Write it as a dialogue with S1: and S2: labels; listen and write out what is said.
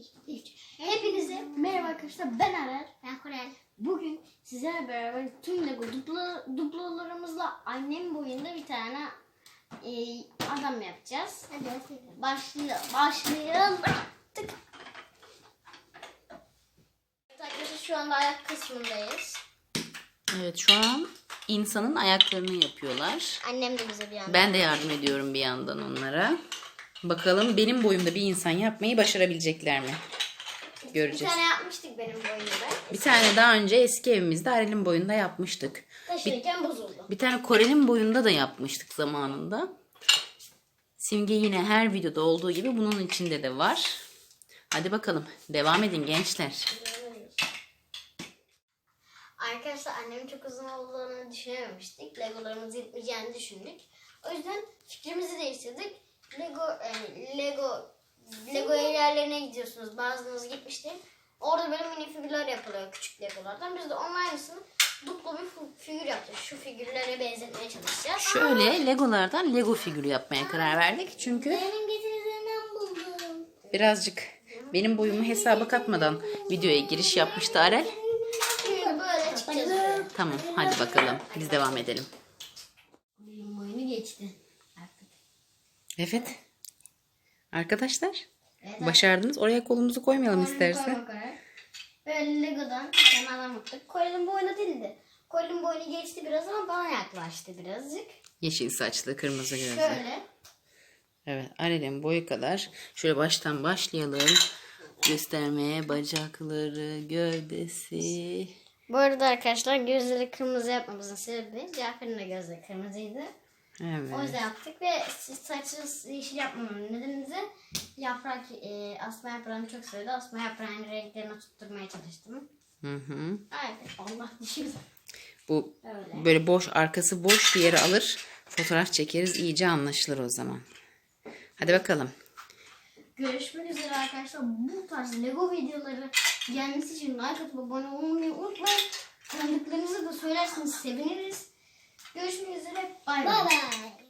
S1: 2, 3. Hepinize merhaba arkadaşlar. Ben Arar.
S2: Ben Korel.
S1: Bugün sizlerle beraber tüm Lego duplolarımızla annem boyunda bir tane adam yapacağız.
S2: Hadi
S1: Başlayalım. Tık. Evet arkadaşlar, şu anda ayak kısmındayız.
S3: Evet, şu an insanın ayaklarını yapıyorlar.
S1: Annem de bize bir yandan.
S3: Ben de yardım ediyorum bir yandan onlara. Bakalım benim boyumda bir insan yapmayı başarabilecekler mi?
S1: Bir
S3: Göreceğiz.
S1: tane yapmıştık benim boyumda.
S3: Bir tane daha önce eski evimizde Arel'in boyunda yapmıştık.
S1: Taşırken bozuldu.
S3: Bir tane Korel'in boyunda da yapmıştık zamanında. Simge yine her videoda olduğu gibi bunun içinde de var. Hadi bakalım devam edin gençler.
S1: Arkadaşlar annemin çok uzun olduğunu düşünememiştik. Legolarımız yetmeyeceğini düşündük. O yüzden fikrimizi değiştirdik. Lego yerlerine gidiyorsunuz. Bazılarınız gitmişti. Orada böyle mini figürler yapılıyor küçük Legolardan. Biz de onun aynısını duplo bir figür yapacağız. Şu figürlere benzetmeye çalışacağız.
S3: Şöyle Legolardan Lego figürü yapmaya karar verdik. Çünkü
S2: benim getirdiğimden buldum.
S3: birazcık benim boyumu hesaba katmadan videoya giriş yapmıştı Arel.
S1: Şimdi böyle çıkacağız buraya.
S3: Tamam hadi bakalım biz devam edelim.
S1: Benim boyunu geçti artık.
S3: Evet. Arkadaşlar
S1: Evet,
S3: başardınız. Oraya kolumuzu koymayalım istersen.
S1: Böyle Lego'dan bir tane adam yaptık. Colin'in boyuna değildi. Colin'in boyunu geçti biraz ama bana yaklaştı birazcık.
S3: Yeşil saçlı, kırmızı gözlü.
S1: Şöyle.
S3: Evet, Arel'in boyu kadar. Şöyle baştan başlayalım. Göstermeye bacakları, gövdesi.
S1: Bu arada arkadaşlar gözleri kırmızı yapmamızın sebebi Cafer'in de gözleri kırmızıydı. O
S3: Evet.
S1: yüzden yaptık ve saçı yeşil yapmamın nedeni de yaprak, asma yaprağını çok sevdi. Asma yaprağının renklerini tutturmaya çalıştım.
S3: Hı hı.
S1: Evet, Allah dişimiz.
S3: Bu
S1: Öyle.
S3: böyle boş, arkası boş bir yere alır. Fotoğraf çekeriz. İyice anlaşılır o zaman. Hadi bakalım.
S1: Görüşmek üzere arkadaşlar. Bu tarz Lego videoları gelmesi için like atıp abone olmayı unutmayın. Tanıdıklarınızı da söylerseniz seviniriz. Görüşmek üzere. Bay bay.
S2: Bye bye.